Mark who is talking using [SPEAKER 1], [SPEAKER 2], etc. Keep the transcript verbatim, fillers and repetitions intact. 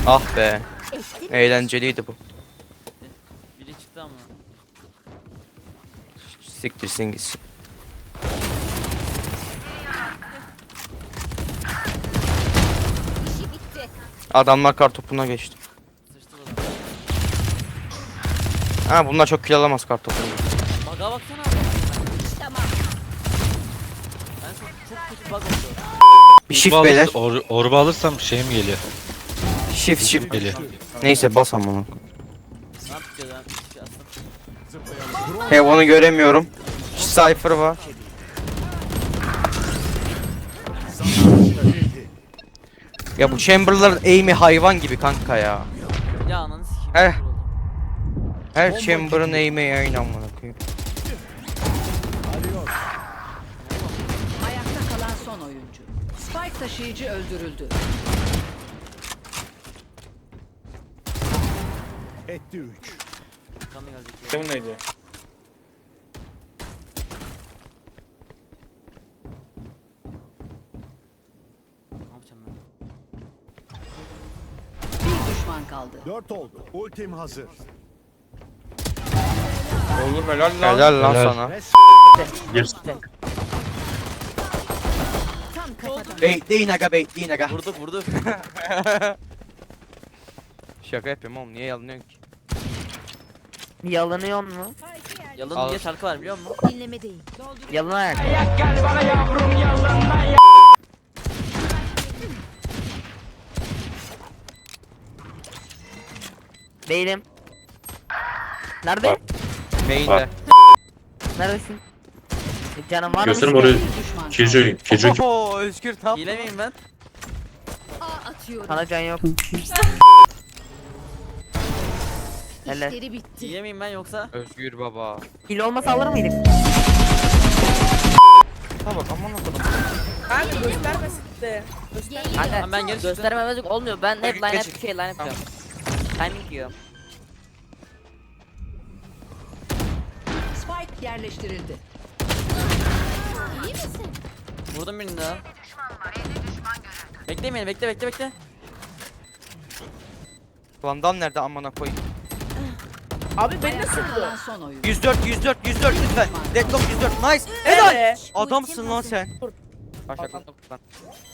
[SPEAKER 1] Ah be. Eğlenceliydi bu.
[SPEAKER 2] Biri çıktı ama.
[SPEAKER 1] Siktirsin gitsin.
[SPEAKER 3] İşi bitti.
[SPEAKER 1] Adamlar kartopuna geçti.
[SPEAKER 2] Sıçtı da.
[SPEAKER 1] Ha bunlar çok kill alamaz kartopuna.
[SPEAKER 2] Bug'a baksana abi.
[SPEAKER 3] Tamam.
[SPEAKER 2] Ben çok çok kötü bug oldu.
[SPEAKER 1] Bir shift
[SPEAKER 4] Orba
[SPEAKER 1] beyler.
[SPEAKER 4] alır- or, orba alırsam şey mi geliyor?
[SPEAKER 1] Shift shift.
[SPEAKER 4] Geliyor.
[SPEAKER 1] Neyse bas ama onu.
[SPEAKER 2] Ne yapacağız lan? Bir şey aslında.
[SPEAKER 1] He onu göremiyorum. Cypher var. Ya bu Chamberlain aim'i hayvan gibi kanka ya.
[SPEAKER 2] Ya ananı sikeyim.
[SPEAKER 1] Eh.
[SPEAKER 2] Dur oldu.
[SPEAKER 1] Her Chamber'ın aim'i aynı amına koyayım.
[SPEAKER 5] Ayakta kalan son oyuncu. Spike taşıyıcı öldürüldü.
[SPEAKER 6] Etti üç.
[SPEAKER 2] Kanı gelecek ya.
[SPEAKER 7] Senin neydi?
[SPEAKER 2] Ne yapacağım ben?
[SPEAKER 5] Bir düşman kaldı.
[SPEAKER 6] Dört oldu. Ultim hazır.
[SPEAKER 7] Oğlum helal lan.
[SPEAKER 1] Helal lan
[SPEAKER 4] Helal.
[SPEAKER 1] sana.
[SPEAKER 7] Gir.
[SPEAKER 3] Tam kafadan.
[SPEAKER 1] Bekleyin aga bekleyin aga.
[SPEAKER 2] Vurdu vurdu.
[SPEAKER 1] Şaka yapıyorum oğlum niye yalanıyorsun ki?
[SPEAKER 8] Yalanıyor mu?
[SPEAKER 2] Yalın
[SPEAKER 1] Al.
[SPEAKER 2] diye şarkı var biliyor musun?
[SPEAKER 3] Dinleme değil.
[SPEAKER 8] Yalan ayak. Değilim. Nerede?
[SPEAKER 1] Main'de.
[SPEAKER 8] Neredesin? Canım var mı?
[SPEAKER 7] Gösterim orayı.
[SPEAKER 5] Bir düşman kaldı.
[SPEAKER 7] Killjoy. Killjoy.
[SPEAKER 1] Oho Özgür tam.
[SPEAKER 2] Hile miyim ben?
[SPEAKER 3] A atıyorum.
[SPEAKER 8] Sana can yok. Hele.
[SPEAKER 3] İşleri bitti.
[SPEAKER 2] Hile miyim ben yoksa?
[SPEAKER 1] Özgür baba.
[SPEAKER 8] Hile olmasa alır mıydık?
[SPEAKER 1] Ha bak aman okudum.
[SPEAKER 9] Kanka göstermesin de.
[SPEAKER 8] Kanka
[SPEAKER 2] Tamam, ben geri çıktım.
[SPEAKER 8] göstermemezlik olmuyor. Ben hep line
[SPEAKER 1] Geç.
[SPEAKER 8] up şey line up
[SPEAKER 1] Tamam.
[SPEAKER 8] yapıyorum. Timing yiyorum.
[SPEAKER 5] Spike yerleştirildi.
[SPEAKER 3] İyi misin?
[SPEAKER 2] Vurdum birini daha. Bekleyin beni bekle bekle bekle.
[SPEAKER 1] Vandal nerede amına koyayım?
[SPEAKER 9] Abi beni
[SPEAKER 5] Ayakta
[SPEAKER 9] nasıl
[SPEAKER 5] kalan
[SPEAKER 9] bu?
[SPEAKER 5] son oyuncu.
[SPEAKER 1] yüz dört yüz dört yüz dört lütfen. Deadlock yüz dört nice.
[SPEAKER 9] Helal.
[SPEAKER 1] Helal. Adamsın lan sen. Başak lan.